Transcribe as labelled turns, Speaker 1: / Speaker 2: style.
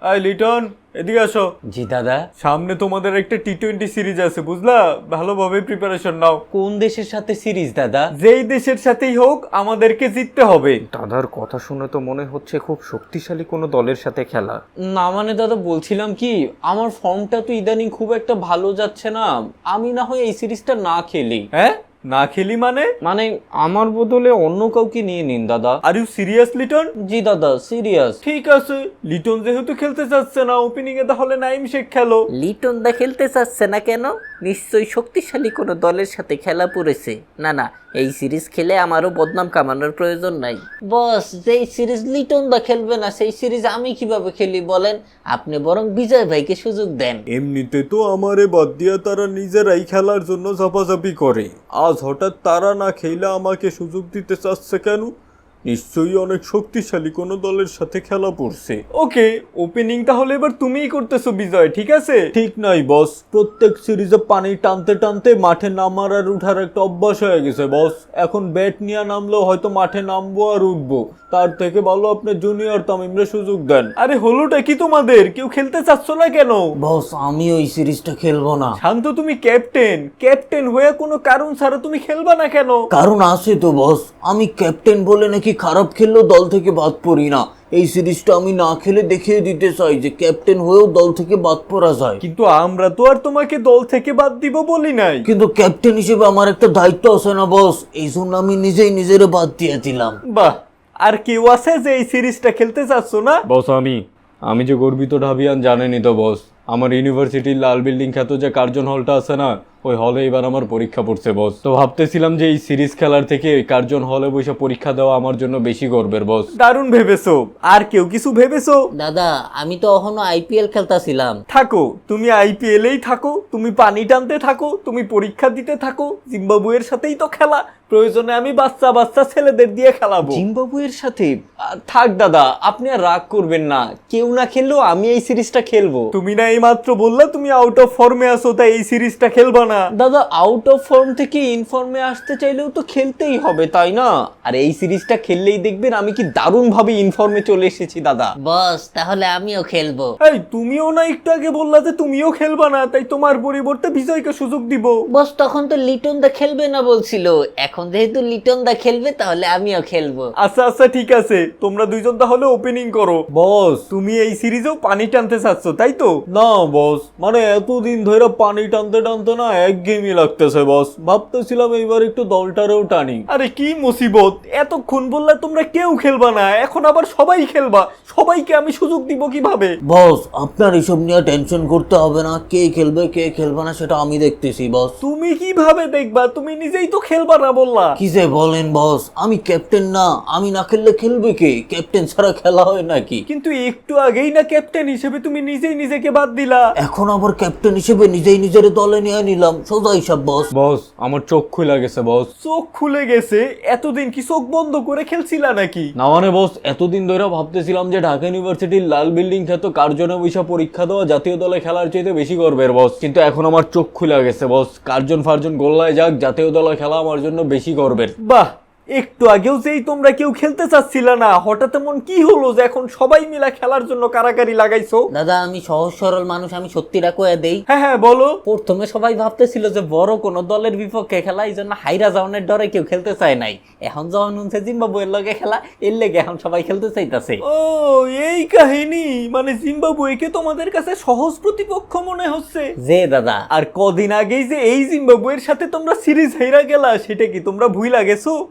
Speaker 1: I Liton, এদিকে আসো।
Speaker 2: জি দাদা।
Speaker 1: সামনে তোমাদের একটা টি-20 সিরিজ আছে, বুঝলা? ভালোভাবে প্রিপারেশন নাও।
Speaker 2: কোন দেশের সাথে সিরিজ দাদা?
Speaker 1: যেই দেশের সাথেই হোক আমাদেরকে জিততে হবে।
Speaker 3: দাদার কথা শুনে তো মনে হচ্ছে খুব শক্তিশালী কোনো দলের সাথে খেলা।
Speaker 2: না মানে দাদা, বলছিলাম কি, আমার ফর্মটা তো ইদানিং খুব একটা ভালো যাচ্ছে না, আমি না হয় এই সিরিজটা না খেলি।
Speaker 1: হ্যাঁ, না খেলি মানে?
Speaker 2: মানে আমার বদলে অন্য কাউকে নিয়ে নিন দাদা।
Speaker 1: Are you serious Liton?
Speaker 2: জি দাদা, সিরিয়াস।
Speaker 1: ঠিক আছে, লিটন যেহেতু খেলতে চাচ্ছে না, ওপেনিং এ তাহলে নাইম শেখ খেলো।
Speaker 4: লিটন দা খেলতে চাচ্ছে না কেন? নিশ্চয়ই শক্তিশালী কোনো দলের সাথে খেলা পড়েছে। না না, এই সিরিজ খেলে আমারও বদনাম কামানোর প্রয়োজন নাই। বস, যেই সিরিজ লিটন দা খেলবে না সেই সিরিজ আমি কিভাবে খেলি বলেন? আপনি বরং বিজয় ভাইকে সুযোগ দেন।
Speaker 1: এমনিতে তো আমারে বাদ দিয়া তারা নিজেরাই খেলার জন্য ঝাপাঝাপি করে, আজ হঠাৎ তারা না খেলে আমাকে সুযোগ দিতে চাচ্ছে কেন? নিশ্চয়ই অনেক শক্তিশালী কোনো দলের সাথে খেলা পড়ছে। ওকে, ওপেনিং তাহলে এবার তুমিই করতেছো বিজয়, ঠিক আছে? ঠিক নাই বস, প্রত্যেক সিরিজে পানি টানতে টানতে মাঠে নামার আর উঠার একটা অভ্যাস হয়ে গেছে বস। এখন ব্যাট নিয়ে নামলেও হয়তো মাঠে নামবো আর উঠবো, তার থেকে ভালো আপনি জুনিয়র তামিমরে সুযোগ দেন। আরে হলোটা কি তোমাদের? কেউ খেলতে চাচ্ছ না কেন?
Speaker 2: বস, আমি ওই সিরিজটা খেলবো না।
Speaker 1: শান্ত, তুমি ক্যাপ্টেন হয়ে কোনো কারণ ছাড়া তুমি খেলবা না কেন?
Speaker 2: কারণ আছে তো বস, আমি ক্যাপ্টেন বলে নাকি খারাপ খেললেও দল থেকে বাদ পড়ি না। এই সিরিজটা আমি না খেলে দেখিয়ে দিতে চাই যে ক্যাপ্টেন হয়েও দল থেকে বাদ পড়া যায়।
Speaker 1: কিন্তু আমরা তো আর তোমাকে দল থেকে বাদ দিব বলি নাই।
Speaker 2: কিন্তু ক্যাপ্টেন হিসেবে আমার একটা দায়িত্ব আছে না বস, এই জন্য আমি নিজেই নিজের বাদ দিয়ে দিলাম।
Speaker 1: বাহ, আর কেউ আছে যে এই সিরিজটা খেলতে চাচ্ছ না?
Speaker 3: বস আমি যে গর্বিত ঢাবিয়ান জানেনই তো বস। আমার ইউনিভার্সিটির লাল বিল্ডিং খ্যাত যে কার্জন হলটা আছে না, ওই হলে এবার আমার পরীক্ষা পড়ছে বস। তো ভাবতেছিলাম যে এই সিরিজ খেলার থেকে কার্জন হলে বসে পরীক্ষা দেওয়া আমার জন্য বেশি গর্বের বস।
Speaker 1: দারুণ ভেবেছো। আর কেউ কিছু ভেবেছো?
Speaker 4: দাদা, আমি তো এখনো আইপিএল খেলতাছিলাম।
Speaker 1: থাকো, তুমি আইপিএলেই থাকো, তুমি পানি টানতে থাকো, তুমি পরীক্ষা দিতে থাকো। জিম্বাবুয়ের সাথেই তো খেলা, প্রয়োজনে আমি বাচ্চা ছেলেদের দিয়ে খেলাবো।
Speaker 2: জিম্বাবুয়ের সাথে? থাক দাদা, আপনি আর রাগ করবেন না, কেউ না খেললেও আমি এই সিরিজটা খেলবো।
Speaker 1: তুমি না এই মাত্র বললা তুমি আউট অফ ফর্মে আছো, তাই এই সিরিজটা খেলবা না?
Speaker 2: দাদা, আউট অফ ফর্ম থেকে ইনফর্মে আসতে চাইলেও তো খেলতেই হবে, তাই না? আর এই সিরিজটা খেললেই দেখবেন আমি কি দারুণ ভাবে ইনফর্মে চলে এসেছি দাদা।
Speaker 4: বস, তাহলে আমিও খেলবো।
Speaker 1: এই, তুমিও না একটু আগে বললা যে তুমিও খেলবা না, তাই তোমার পরিবর্তে বিজয়কে সুযোগ দিব।
Speaker 4: বস, তখন তো লিটন দা খেলবে না বলছিল, এখন যেহেতু লিটন দা খেলবে তাহলে আমিও খেলবো।
Speaker 1: আচ্ছা ঠিক আছে, তোমরা দুইজন তাহলে ওপেনিং করো। বস, তুমি এই সিরিজেও পানি টানতে চাচ্ছ তাই তো? না বস, মানে এতদিন ধরে পানি টানতে টানতে না একঘেয়েমি লাগতেছে বস। ভাবতেছিলাম এইবার একটু দলটারেও টানি। আরে কি মুসিবত, এতক্ষণ বললে তোমরা কেউ খেলবা না, এখন আবার সবাই খেলবা। সবাইকে আমি সুযোগ দিব কিভাবে?
Speaker 2: বস, আপনার এসব নিয়ে টেনশন করতে হবে না, কে খেলবে কে খেলবে না সেটা আমি দেখতেছি বস।
Speaker 1: তুমি কিভাবে দেখবা? তুমি নিজেই তো খেলবা না বললা।
Speaker 2: কি যে বলেন বস, আমি ক্যাপ্টেন না, আমি না খেললে খেলবে কে? ক্যাপ্টেন ছাড়া খেলা হয় নাকি?
Speaker 1: কিন্তু একটু আগেই না ক্যাপ্টেন হিসেবে তুমি নিজেই নিজেকে বাদ দিলা।
Speaker 2: এখন আবার ক্যাপ্টেন হিসেবে নিজেই নিজের দলে নিয়ে নিলাম, সোজা হিসাব বস।
Speaker 3: বস আমার চোখ খুলে গেছে বস।
Speaker 1: চোখ খুলে গেছে? এতদিন কি চোখ বন্ধ করে খেলছিলা নাকি?
Speaker 3: না মানে বস, এতদিন ধরে ভাবতেছিলাম যে ঢাকা ইউনিভার্সিটির লাল বিল্ডিং খ্যাত কার্জনে বৈশা পরীক্ষা দেওয়া জাতীয় দলে খেলার চাইতে বেশি গর্বের বস। কিন্তু এখন আমার চোখ খুলে গেছে বস, কার্জন ফার্জন গোল্লায় যাক, জাতীয় দলে খেলা আমার জন্য বেশি গর্বের।
Speaker 1: বাহ, একটু আগেও যেই তোমরা কেউ খেলতে চাচ্ছিলা না, হঠাৎ এমন কি হলো যে এখন সবাই মিলা খেলার জন্য কারাকারি লাগাইছো?
Speaker 4: দাদা, আমি সহজ সরল মানুষ, আমি সত্যিটা কয়ে দেই।
Speaker 1: হ্যাঁ বলো।
Speaker 4: প্রথমে সবাই ভাবতেছিল যে বড় কোন দলের বিপক্ষে খেলা, এই জন্য হাইরা যাওয়ানের ডরে কেউ খেলতে চায় নাই। এখন যখন শুনছে জিম্বাবুয়ের লগে খেলা, এর লেগে এখন সবাই খেলতে চাইতেছে।
Speaker 1: ও, এই কাহিনী। মানে জিম্বাবুয়েকে তোমাদের কাছে সহজ প্রতিপক্ষ মনে হচ্ছে?
Speaker 4: যে দাদা,
Speaker 1: আর কদিন আগেই যে এই জিম্বাবুয়ের সাথে তোমরা সিরিজ হেরা গেলা, সেটা কি তোমরা ভুইলা গেছো?